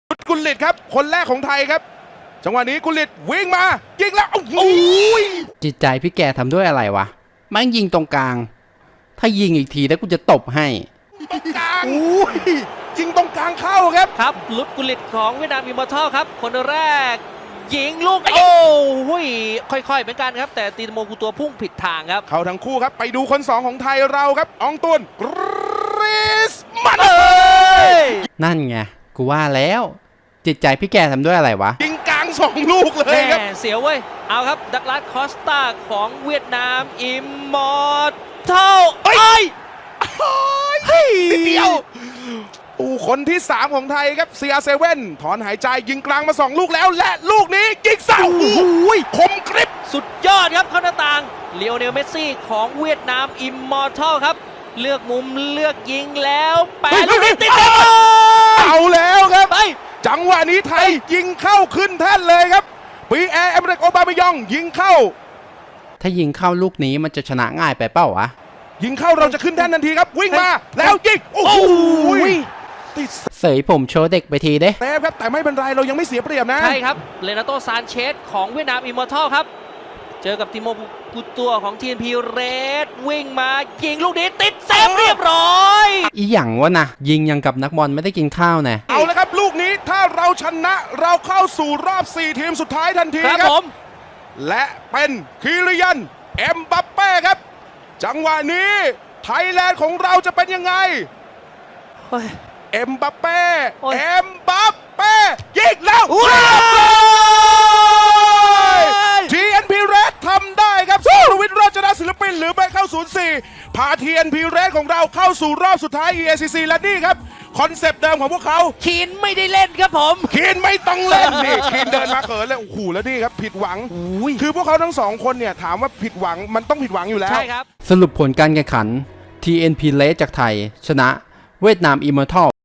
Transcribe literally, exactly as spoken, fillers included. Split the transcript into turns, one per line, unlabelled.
กุลลิตครับคนแรกของไทยครับจังหวะนี้กุลลิตวิ่งมายิงแล้วโอ้โห
จิตใจพี่แกทำด้วยอะไรวะแม่งยิงตรงกลางถ้ายิงอีกทีแล้วกูจะตบให้
ตรงกลางอุ้ยยิงตรงกลางเข้าครับ
ครับลุดกุลิตของเวียดนามอิมมอร์ทัลครับคนแรกยิงลูกโอ้โหค่อยๆเหมือนกันครับแต่ตีนโมกูตัวพุ่งผิดทางครับ
เข้าทั้งคู่ครับไปดูคนสองของไทยเราครับอองตุนกริสมันเอ
นั่นไงกูว่าแล้วจิตใจพี่แกทำด้วยอะไรวะ
ยิงกลางสองลูกเลยครับ
เสียวเว้ยเอาครับดักลาสคอสตาของเวียดนามอิมมอร์ทัล
เฮ้ยนิดเดียวโอ้คนที่สามของไทยครับ ซี อาร์ เซเว่น ถอนหายใจยิงกลางมาสองลูกแล้วและลูกนี้ยิงเสาโอ้โหคมกริบ
สุดยอดครับเข้าหน้าต่างเลโอเนลเมสซี่ของเวียดนามอิมมอร์ทัลครับเลือกมุมเลือกยิงแล้วแปะลูกนี้ติด
เอาแล้วครับจังหวะนี้ไทยยิงเข้าขึ้นแท่นเลยครับปีแอร์เอเมริกโอบามายองยิงเข้า
ถ้ายิงเข้าลูกนี้มันจะชนะง่ายไปเปล่าวะ
ยิงเข้าเราจะขึ้นแท่นทันทีครับวิ่งมาแล้วยิงโอ้โห
เสยผมโชว์เด็กไปทีเด้
แต่ครับแต่ไม่เป็นไรเรายังไม่เสียเปรียบนะ
ใช่ครับเลนาโตซานเชสของเวียดนามอิมมอร์ทัลครับเจอกับติโมกุตัวของ ที เอ็น พี เรดวิ่งมายิงลูกนี้ติดเซฟเรียบร้อย
อีหยังวะนะยิงยังกับนักบอลไม่ได้กินข้าวแน่
เอาเลยครับลูกนี้ถ้าเราชนะเราเข้าสู่รอบสี่ทีมสุดท้ายทันทีครับผมและเป็นคิริยันเอ็มบัปเป้ครับจังหวะนี้ไทยแลนด์ของเราจะเป็นยังไงเอ็มบัปเป้เอ็มบัปเป้ยิงแล้วที เอ็น พี เรดทำได้ครับสุรวิทย์โรจนศิลปินหรือไปเข้าศูนย์สี่พา ที เอ็น พี เรดของเราเข้าสู่รอบสุดท้าย อี เอ ซี ซี และนี่ครับคอนเซปต์เดิมของพวกเขา
คีนไม่ได้เล่นครับผม
คีนไม่ต้องเล่นนี่คีนเดินมาเขินเลยโอ้โหแล้วนี่ครับผิดหวังคือพวกเขาทั้งสองคนเนี่ยถามว่าผิดหวังมันต้องผิดหวังอยู่แล้ว
ใช่ครับ
สรุปผลการแข่งขัน ที เอ็น พี Red จากไทยชนะเวียดนามอิมมอร์ทัล